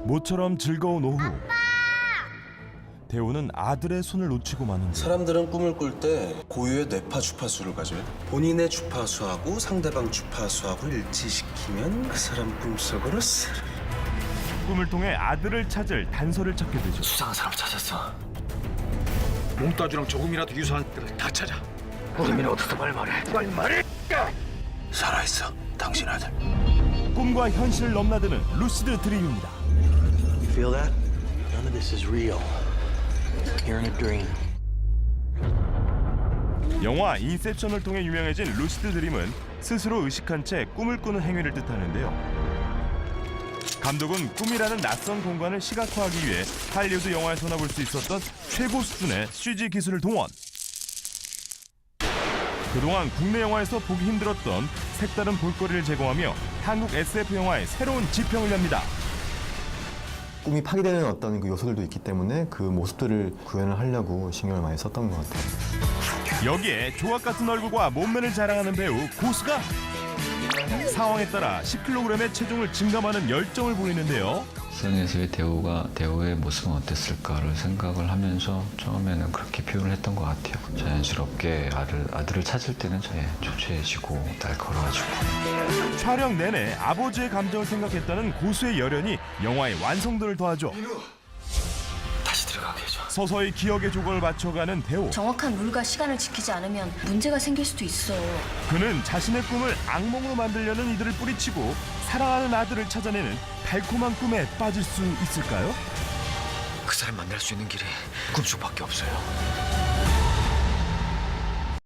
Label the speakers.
Speaker 1: 모처럼 즐거운 오후. 대호는 아들의 손을 놓치고 마는데
Speaker 2: 사람들은 꿈을 꿀 때 고유의 뇌파 주파수를 가져요. 본인의 주파수하고 상대방 주파수하고 일치시키면 그 사람 꿈속으로 스르.
Speaker 1: 꿈을 통해 아들을 찾을 단서를 찾게 되죠.
Speaker 3: 수상한 사람 찾았어. 몽따주랑 조금이라도 유사한 데를 다 찾아. 우리민 어디서 말 말해. 말 말해.
Speaker 2: 살아있어, 당신 아들.
Speaker 1: 꿈과 현실을 넘나드는 루시드 드림입니다.
Speaker 4: Feel that? None of this is real. You're in a dream.
Speaker 1: 영화 인셉션을 통해 유명해진 루시드 드림은 스스로 의식한 채 꿈을 꾸는 행위를 뜻하는데요. 감독은 꿈이라는 낯선 공간을 시각화하기 위해 할리우드 영화에서나 볼 수 있었던 최고 수준의 CG 기술을 동원. 그동안 국내 영화에서 보기 힘들었던 색다른 볼거리를 제공하며 한국 SF 영화의 새로운 지평을 엽니다.
Speaker 5: 꿈이 파괴되는 어떤 그 요소들도 있기 때문에 그 모습들을 구현을 하려고 신경을 많이 썼던 것 같아요.
Speaker 1: 여기에 조각 같은 얼굴과 몸매를 자랑하는 배우 고수가 상황에 따라 10kg의 체중을 증감하는 열정을 보이는데요.
Speaker 6: 일상에서의 대우의 모습은 어땠을까를 생각을 하면서 처음에는 그렇게 표현을 했던 것 같아요. 자연스럽게 아들을 찾을 때는 초췌해지고 날카로워지고.
Speaker 1: 촬영 내내 아버지의 감정을 생각했다는 고수의 열연이 영화의 완성도를 더하죠.
Speaker 3: 다시 들어가게 해줘.
Speaker 1: 서서히 기억의 조각을 맞춰가는 대호.
Speaker 7: 정확한 룰과 시간을 지키지 않으면 문제가 생길 수도 있어.
Speaker 1: 그는 자신의 꿈을 악몽으로 만들려는 이들을 뿌리치고 사랑하는 아들을 찾아내는 달콤한 꿈에 빠질 수 있을까요?
Speaker 3: 그 사람 만날 수 있는 길이 꿈속밖에 없어요.